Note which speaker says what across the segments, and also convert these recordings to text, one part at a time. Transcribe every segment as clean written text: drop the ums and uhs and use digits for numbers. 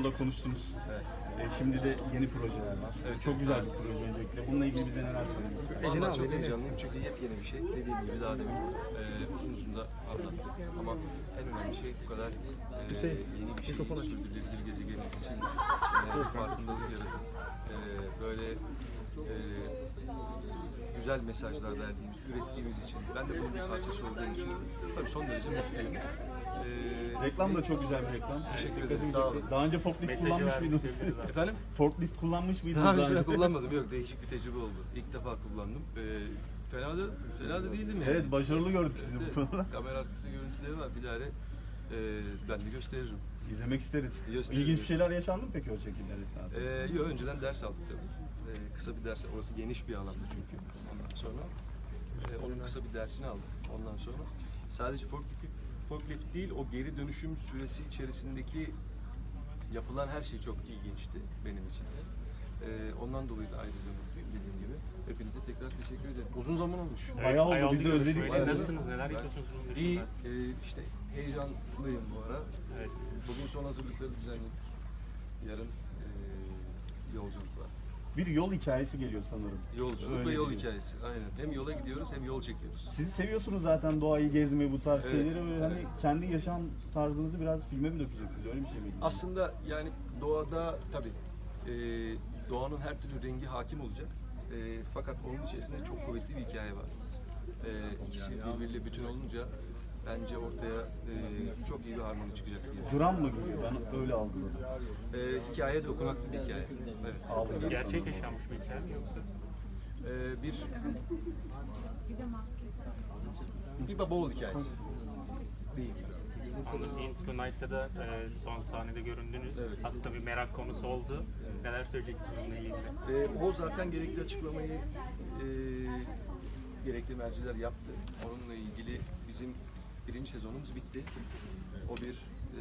Speaker 1: yolda konuştunuz.
Speaker 2: Evet.
Speaker 1: Şimdi de yeni projeler var.
Speaker 2: Evet.
Speaker 1: Çok güzel bir proje öncelikle. Bununla ilgili bize neler söylemek?
Speaker 2: Vallahi çok heyecanlıyım çünkü yepyeni bir şey. Dediğim gibi daha demin uzun uzun da anlattık. Ama en önemli şey bu kadar yeni bir şey sürdürülebilir gezegenimiz için farkındalık yaratıp böyle güzel mesajlar verdiğimiz, ürettiğimiz için, ben de bunun bir parçası olduğum için tabii son derece mutluyum.
Speaker 1: Reklam da çok güzel bir reklam.
Speaker 2: Teşekkür ederim, sağ olun.
Speaker 1: Daha önce forklift kullanmış mıydınız?
Speaker 2: Efendim?
Speaker 1: Forklift kullanmış mıydınız?
Speaker 2: Daha önce kullanmadım, yok, değişik bir tecrübe oldu. İlk defa kullandım. Fena da değildim yani.
Speaker 1: Evet, başarılı gördük sizi bu konuda.
Speaker 2: Kamera arkası görüntüleri var, bilahare ben de gösteririm.
Speaker 1: İzlemek isteriz.
Speaker 2: Gösteririz.
Speaker 1: İlginç bir şeyler yaşandı mı peki o çekimler esnasında?
Speaker 2: Yok, önceden ders aldık tabii. Kısa bir ders, orası geniş bir alandı çünkü. Ondan sonra onun kısa bir dersini aldık. Ondan sonra sadece forklift değil, o geri dönüşüm süresi içerisindeki yapılan her şey çok ilginçti benim için de. Ondan dolayı da ayrıca mutluyum dediğim gibi. Hepinize tekrar teşekkür ederim. Uzun zaman olmuş.
Speaker 1: Bayağı oldu, biz de özledik
Speaker 3: Siz
Speaker 1: seni.
Speaker 3: nasılsınız? Neler yapıyorsunuz?
Speaker 2: İyi, işte heyecanlıyım bu ara.
Speaker 3: Evet.
Speaker 2: Bugün son hazırlıkları düzenledik. Yarın yolculuk var.
Speaker 1: Bir yol hikayesi geliyor sanırım.
Speaker 2: Yolculuk
Speaker 1: Öyle
Speaker 2: ve yol
Speaker 1: değil.
Speaker 2: hikayesi. Aynen. Hem yola gidiyoruz hem yol çekiyoruz.
Speaker 1: Sizi seviyorsunuz zaten, doğayı gezmeyi, bu tarz
Speaker 2: Evet,
Speaker 1: şeyleri ve hani
Speaker 2: evet.
Speaker 1: kendi yaşam tarzınızı biraz filme mi dökeceksiniz? Öyle bir şey miydi?
Speaker 2: Aslında yani doğada tabii doğanın her türlü rengi hakim olacak. Fakat onun içerisinde çok kuvvetli bir hikaye var. İkisi birbiriyle bütün olunca bence ortaya çok iyi bir harmoni çıkacak diye.
Speaker 1: Dram mı geliyor? Ben öyle algıladım.
Speaker 2: Hikaye dokunaklı bir hikaye. Evet.
Speaker 1: Ağlayacak.
Speaker 3: Gerçek yaşanmış bir hikaye mi yoksa?
Speaker 2: Bir baba oğul hikayesi. Değil.
Speaker 3: Anladım. In Tonight'ta da son sahnede göründünüz.
Speaker 2: Evet.
Speaker 3: Aslında bir merak konusu oldu. Neler söyleyeceksiniz bununla ilgili?
Speaker 2: O zaten gerekli açıklamayı gerekli merciler yaptı. Onunla ilgili bizim birinci sezonumuz bitti. O bir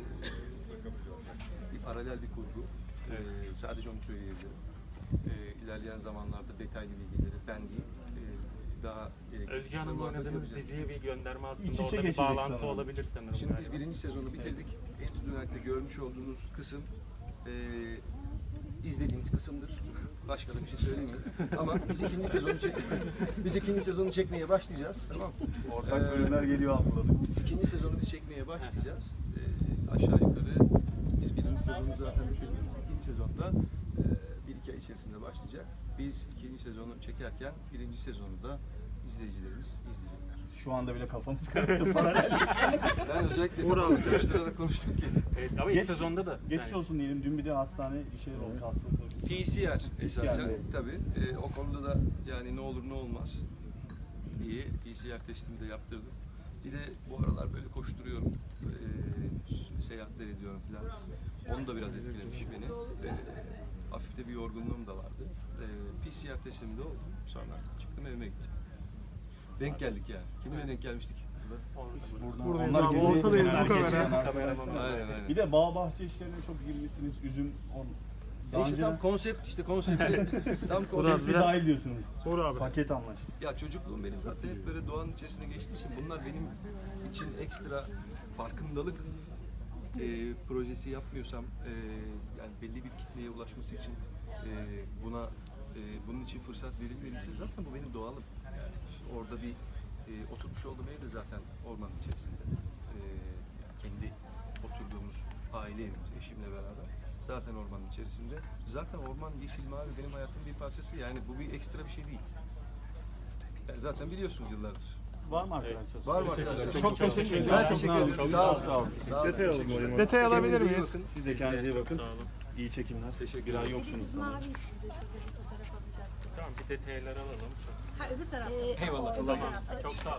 Speaker 2: paralel bir kurgu. Sadece onu söyleyebilirim. İlerleyen zamanlarda detaylı bilgileri ben değil, daha gerekli.
Speaker 3: Özge Hanım'la oynadığınız diziye bir gönderme aslında
Speaker 1: İç içe
Speaker 3: orada bir
Speaker 1: geçecek
Speaker 3: bağlantı
Speaker 1: sanırım.
Speaker 3: olabilir sanırım.
Speaker 2: Şimdi biz
Speaker 3: galiba.
Speaker 2: birinci sezonu bitirdik. Enstitü'nde görmüş olduğunuz kısım izlediğiniz kısımdır. Başka da bir şey söylemeyeyim. Ama biz ikinci sezonu çekmeye başlayacağız. Tamam.
Speaker 1: Ortak bölümler geliyor, algıladık.
Speaker 2: İkinci sezonu biz çekmeye başlayacağız. Aşağı yukarı biz birinci sezonu zaten bitirdik. İkinci sezonda bir iki ay içerisinde başlayacak. Biz ikinci sezonu çekerken birinci sezonu da izleyicilerimiz izleyecekler.
Speaker 1: Şu anda bile kafamız karıştı paralel.
Speaker 2: Ben özellikle kafamızı karıştırarak konuştum ki.
Speaker 3: Evet, ama ilk sezonda da.
Speaker 1: Geçmiş olsun diyelim. Dün bir de hastane bir şeyler olmuş, hastalıklar.
Speaker 2: PCR esasen
Speaker 1: evet.
Speaker 2: tabii. O konuda da yani ne olur ne olmaz diye PCR testimi de yaptırdım. Bir de bu aralar böyle koşturuyorum, seyahatler ediyorum falan. Onu da biraz etkilemiş beni. Hafif de bir yorgunluğum da vardı. PCR testimi de oldu. Sonra çıktım, evime gittim. Denk geldik yani. Kiminle denk gelmiştik?
Speaker 1: Buradan
Speaker 4: Buradayız abi, ortadayız bu kamera.
Speaker 2: Aynen.
Speaker 1: Bir de bağ bahçe işlerine çok girmişsiniz. Üzüm, daha
Speaker 2: İşte
Speaker 1: önce
Speaker 2: tam konsepti tam
Speaker 1: hepsi
Speaker 2: konsepti.
Speaker 1: dahil diyorsunuz.
Speaker 4: Doğru abi.
Speaker 1: Paket anlaşma.
Speaker 2: Ya çocukluğum benim zaten hep böyle doğanın içerisinde geçtiği için bunlar benim için ekstra farkındalık projesi yapmıyorsam yani belli bir kitleye ulaşması için bunun için fırsat verilmediyse zaten bu benim doğalım. İşte orada bir oturmuş olduğum ev de zaten ormanın içerisinde. Kendi oturduğumuz aile evimiz eşimle beraber. Zaten ormanın içerisinde. Zaten orman, yeşil, mavi benim hayatımın bir parçası. Yani bu bir ekstra bir şey değil. Yani zaten biliyorsunuz yıllardır.
Speaker 1: Var mı arkadaşlar?
Speaker 2: Var mı arkadaşlar?
Speaker 1: Çok teşekkür ederim.
Speaker 2: Ben teşekkür ederim.
Speaker 1: Sağ olun.
Speaker 4: Detay alalım. Detay alabilir miyiz?
Speaker 1: Siz de kendinize iyi bakın.
Speaker 3: Sağ olun.
Speaker 1: İyi çekimler.
Speaker 2: Teşekkür
Speaker 1: Bir ay
Speaker 2: ederim.
Speaker 1: yoksunuz sanırım.
Speaker 5: Mavi içinde şurada bir fotoğraf alacağız.
Speaker 3: Tamam, bir detayları alalım.
Speaker 5: Ha öbür tarafta.
Speaker 2: Eyvallah.
Speaker 3: Tamam, çok sağ olun.